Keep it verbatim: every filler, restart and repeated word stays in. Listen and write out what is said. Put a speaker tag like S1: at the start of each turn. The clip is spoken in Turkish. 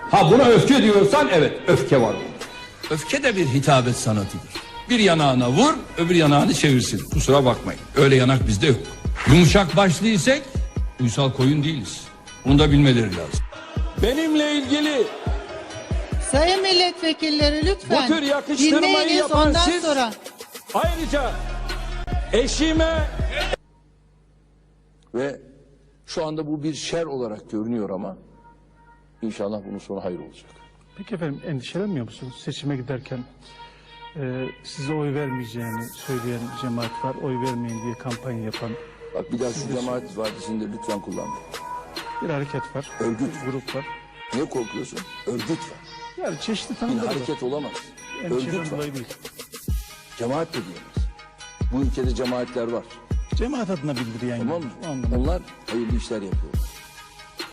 S1: Ha buna öfke diyorsan evet öfke var. Öfke de bir hitabet sanatıdır. Bir yanağına vur, öbür yanağını çevirsin. Kusura bakmayın. Öyle yanak bizde yok. Yumuşak başlıysak uysal koyun değiliz. Bunu da bilmeleri lazım. Benimle ilgili
S2: Sayın milletvekilleri lütfen
S1: bu tür yakıştırmayı
S2: dinleyiniz,
S1: yapan
S2: ondan
S1: siz,
S2: sonra.
S1: ayrıca eşime ve şu anda bu bir şer olarak görünüyor ama inşallah bunun sonu hayır olacak.
S3: Peki efendim, endişelenmiyor musunuz? Seçime giderken e, size oy vermeyeceğini söyleyen cemaat var. Oy vermeyin diye kampanya yapan
S1: Bak bir daha şu cemaat ifadesini de lütfen kullanma.
S3: bir hareket var.
S1: Örgüt.
S3: Bir grup var.
S1: Niye korkuyorsun? Örgüt var.
S3: Yani çeşitli
S1: Bir
S3: tanımları var.
S1: hareket olamaz.
S3: Endişeden
S1: Örgüt var.
S3: dolayı değil.
S1: Cemaat de diyemez. Bu ülkede cemaatler var.
S3: Cemaat adına bildiriyen
S1: Tamam
S3: gibi.
S1: mı?
S3: O anlamda.
S1: Onlar hayırlı işler yapıyor.